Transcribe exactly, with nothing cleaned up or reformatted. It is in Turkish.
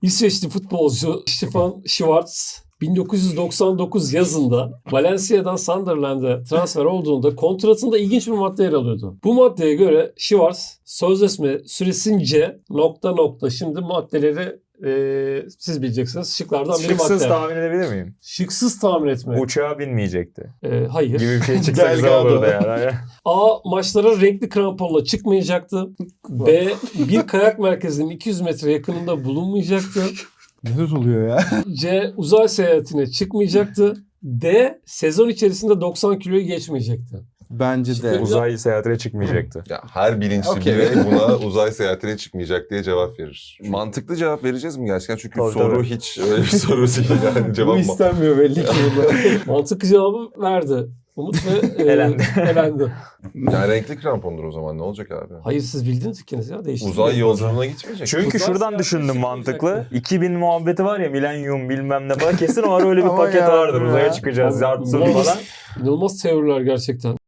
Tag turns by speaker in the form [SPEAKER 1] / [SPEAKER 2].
[SPEAKER 1] İsveçli futbolcu Stefan Schwarz bin dokuz yüz doksan dokuz yazında Valencia'dan Sunderland'e transfer olduğunda kontratında ilginç bir madde yer alıyordu. Bu maddeye göre Schwarz sözleşme süresince nokta nokta şimdi maddeleri e, siz bileceksiniz. Şıklardan biri
[SPEAKER 2] Şıksız
[SPEAKER 1] madde.
[SPEAKER 2] tahmin edebilir miyim?
[SPEAKER 1] Şıksız tahmin etme.
[SPEAKER 2] Uçağa binmeyecekti.
[SPEAKER 1] E, hayır.
[SPEAKER 2] Gibi bir şey çıksa güzel
[SPEAKER 3] Delgado.
[SPEAKER 2] olurdu yani.
[SPEAKER 1] A. Maçlara renkli kramponla çıkmayacaktı. B. Bir kayak merkezinin iki yüz metre yakınında bulunmayacaktı.
[SPEAKER 3] Neler oluyor ya?
[SPEAKER 1] C. Uzay seyahatine çıkmayacaktı. D. Sezon içerisinde doksan kiloyu geçmeyecekti.
[SPEAKER 3] Bence de.
[SPEAKER 2] Uzay seyahatine çıkmayacaktı.
[SPEAKER 4] Ya her bilinçli
[SPEAKER 3] Okey.
[SPEAKER 4] birey buna uzay seyahatine çıkmayacak diye cevap verir. Mantıklı cevap vereceğiz mi gerçekten? Çünkü
[SPEAKER 2] Tabii,
[SPEAKER 4] soru
[SPEAKER 2] tabii.
[SPEAKER 4] hiç öyle bir soru değil yani
[SPEAKER 3] Bu
[SPEAKER 4] cevap mı?
[SPEAKER 3] istenmiyor belli ki burada.
[SPEAKER 1] Mantıklı cevabı verdi. Umut ve e,
[SPEAKER 2] Elendi.
[SPEAKER 1] elendi.
[SPEAKER 4] Yani renkli krampondur o zaman ne olacak abi?
[SPEAKER 1] Hayır siz bildiniz ikiniz ya değişti.
[SPEAKER 4] Uzay yolculuğuna gitmeyecek.
[SPEAKER 2] Çünkü
[SPEAKER 1] Uzay
[SPEAKER 2] şuradan
[SPEAKER 1] seyahatine
[SPEAKER 2] düşündüm mantıklı.
[SPEAKER 1] çıkmayacaktı.
[SPEAKER 2] iki bin muhabbeti var ya, milenyum bilmem ne falan. Kesin o ara öyle bir
[SPEAKER 3] Ama
[SPEAKER 2] paket
[SPEAKER 3] ya,
[SPEAKER 2] vardır.
[SPEAKER 3] ya.
[SPEAKER 2] Uzaya çıkacağız, yartsın
[SPEAKER 1] İnanılmaz-
[SPEAKER 2] falan.
[SPEAKER 1] İnanılmaz teoriler gerçekten.